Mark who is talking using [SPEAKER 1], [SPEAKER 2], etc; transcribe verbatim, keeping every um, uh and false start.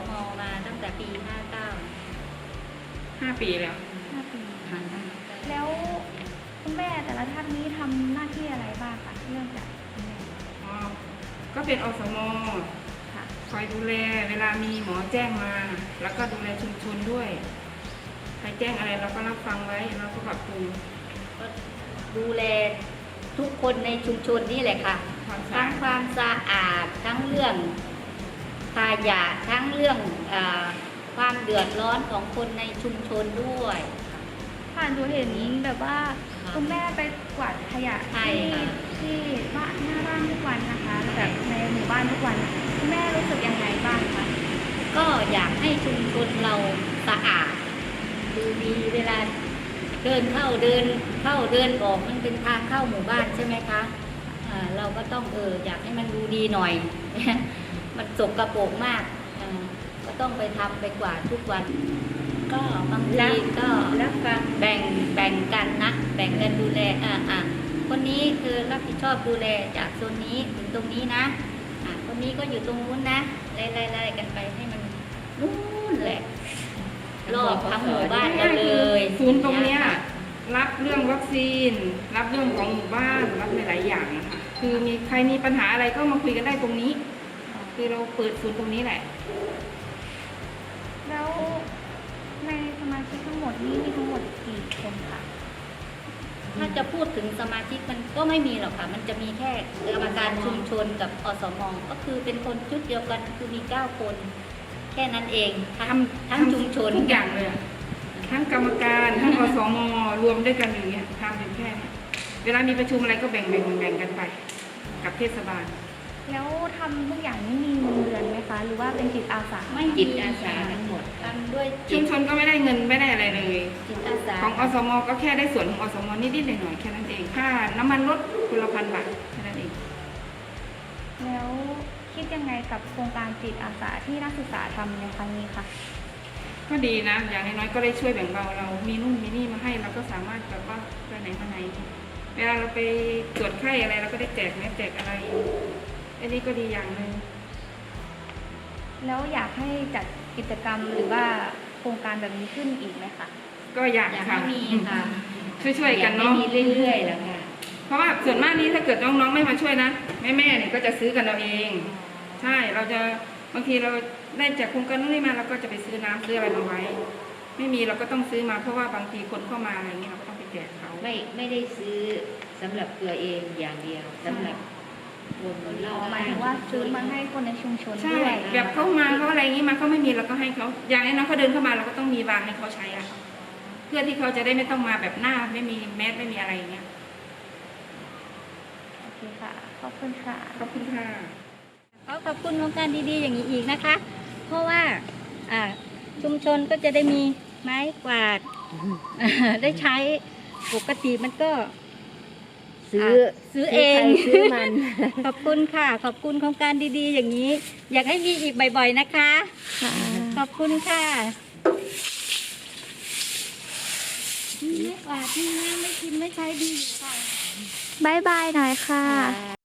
[SPEAKER 1] มมาตั้งแต่ปีห้าเก้า
[SPEAKER 2] ห้าปีแล้ว
[SPEAKER 3] ห้าปี
[SPEAKER 1] ค่ะ
[SPEAKER 3] แล้วคุณแม่แต่ละท่านนี้ทำหน้าที่อะไรบ้างคะเริ่มจากคุณแม่
[SPEAKER 2] อ๋อก็เป็นอสม
[SPEAKER 3] ค่ะ
[SPEAKER 2] คอยดูแลเวลามีหมอแจ้งมา แล้วก็ดูแลชุมชนด้วยใครแจ้งอะไรเราก็รับฟังไว้เราก็ปรับปรุง
[SPEAKER 1] ก็ดูแลทุกคนในชุมชนนี่แหละค่ะทั้งความสะอาดทั้งเรื่องขยะทั้งเรื่องอความเดือดร้อนของคนในชุมชนด้วย
[SPEAKER 3] ผ่านดูเห็นแบบว่าคุณแม่ไปกวาดขยะที่ที่บ้านหน้าบ้านทุกวันนะคะแบบในหมู่บ้านทุกวันคุณแม่รู้สึกยังไงบ้างคะ
[SPEAKER 1] ก็อยากให้ชุมชนเราสะอาดดูดีเวลาเดินเข้าเดินเข้าเดินออกมันเป็นทางเข้าหมู่บ้านใช่ไหมคะะเราก็ต้องเอออยากให้มันดูดีหน่อย มันสกปรกมากก็ต้องไปทำไปกวาดทุกวันก็บางทีก็รับฟังแบ่งแบ่งกันนะแบ่งกันดูแลอ่าอ่าคนนี้คือรับผิดชอบดูแลจากโซนนี้ถึงตรงนี้นะอ่าคนนี้ก็อยู่ตรงนู้นนะไล่ๆๆกันไปให้มันนู้นแหละรอบทั้งหมู่บ้านเราเลย
[SPEAKER 2] ศูนย์ตรงนี้รับเรื่องวัคซีนรับเรื่องของหมู่บ้านรับหลายๆอย่างนะคะคือมีใครมีปัญหาอะไรก็มาคุยกันได้ตรงนี้คือเราเปิดศูนย์ตรงนี้แหละ
[SPEAKER 3] แล้วในสมาชิกทั้งหมดนี้มีทั้งหมดกี่คนคะ
[SPEAKER 1] ถ้าจะพูดถึงสมาชิกมันก็ไม่มีหรอกค่ะมันจะมีแค่กรรมการชุมชนกับอสมก็คือเป็นคนชุดเดียวกันคือมีเก้าคนแค่นั้นเองทั้งทั้งชุมชน
[SPEAKER 2] ทุกอย่างเลยทั้งกรรมการทั้งอสมรวมด้วยกันอย่างเงี้ยทำเป็นแค่นี้เวลามีประชุมอะไรก็แบ่งแบ่งแบ่งกันไปกับเทศบาล
[SPEAKER 3] แล้วทำทุกอย่างนี้มีเงินเดือนไหมคะหรือว่าเป็นจิตอาสา
[SPEAKER 1] ไม่จิตอาสาทั้งหมดทำด้วย
[SPEAKER 2] ชุมชนก็ไม่ได้เงินไม่ได้อะไรเลย
[SPEAKER 1] จิตอาสา
[SPEAKER 2] ของอสมก็แค่ได้ส่วนของอสมนิดๆหน่อยๆแค่นั้นเองค่าน้ำมันรถคนละพันบาทแค่นั้นเอง
[SPEAKER 3] แล้วคิดยังไงกับโครงการจิตอาสาที่นักศึกษาทำในครั้งนี้คะ
[SPEAKER 2] ก็ดีนะอย่างน้อยๆก็ได้ช่วยแบ่งเบาเรามีนู่นมีนี่มาให้เราก็สามารถแบบว่าไปไหนมาไหนเวลาเราไปตรวจไข้อะไรเราก็ได้แจกแมสแจกอะไรอันนี้ก็ดีอย่างหนึ่ง
[SPEAKER 3] แล้วอยากให้จัดกิจกรรมหรือว่าโครงการแบบนี้ขึ้นอีกไหมคะ
[SPEAKER 2] ก็อยากค่ะ
[SPEAKER 1] มีค่ะ
[SPEAKER 2] ช่วยๆกันเนาะ
[SPEAKER 1] มีเรื่อยๆแล้วค่ะ
[SPEAKER 2] เพราะว่าส่วนมากนี้ถ้าเกิดน้องๆไม่มาช่วยนะแม่ๆเนี่ยก็จะซื้อกันเราเองใช่เราจะบางทีเราได้จากโครงการนู้นนี่มาเราก็จะไปซื้อน้ำซื้ออะไรมาไว้ไม่มีเราก็ต้องซื้อมาเพราะว่าบางทีคนเข้ามาอะไรเงี้ยเราก็ต้องไปแจกเขา
[SPEAKER 1] ไม่ไม่ได้ซื้อสำหรับตัวเองอย่างเดียวสำหรับรวมคนเล่า
[SPEAKER 3] หมายถึงว่าซื้อมาให้คนในชุมชน
[SPEAKER 2] ด้วยแบบเข้ามาเขาอะไรอย่างนี้มาเขาไม่มีเราก็ให้เขาอย่างน้อยเขาเดินเข้ามาเราก็ต้องมีวางให้เขาใช้อะเพื่อที่เขาจะได้ไม่ต้องมาแบบหน้าไม่มีแมสไม่มีอะไรอย่างเงี้ย
[SPEAKER 3] โอเคค่ะขอบคุณค่ะ
[SPEAKER 2] ขอบคุณค่ะ
[SPEAKER 1] ขอขอบคุณโครงการดีๆอย่างนี้อีกนะคะเพราะว่าชุมชนก็จะได้มีไม้กวาดได้ใช้ปกติมันก็ซื้อซื้อเองซื้อมันขอบคุณค่ะขอบคุณโครงการดีๆอย่างนี้อยากให้มีอีกบ่อยๆนะคะขอบคุณค่ะไม่กวาดที่น้ำไม่กินไม่ใช้ดีค่ะ
[SPEAKER 3] บายบายหน่อยค่ะ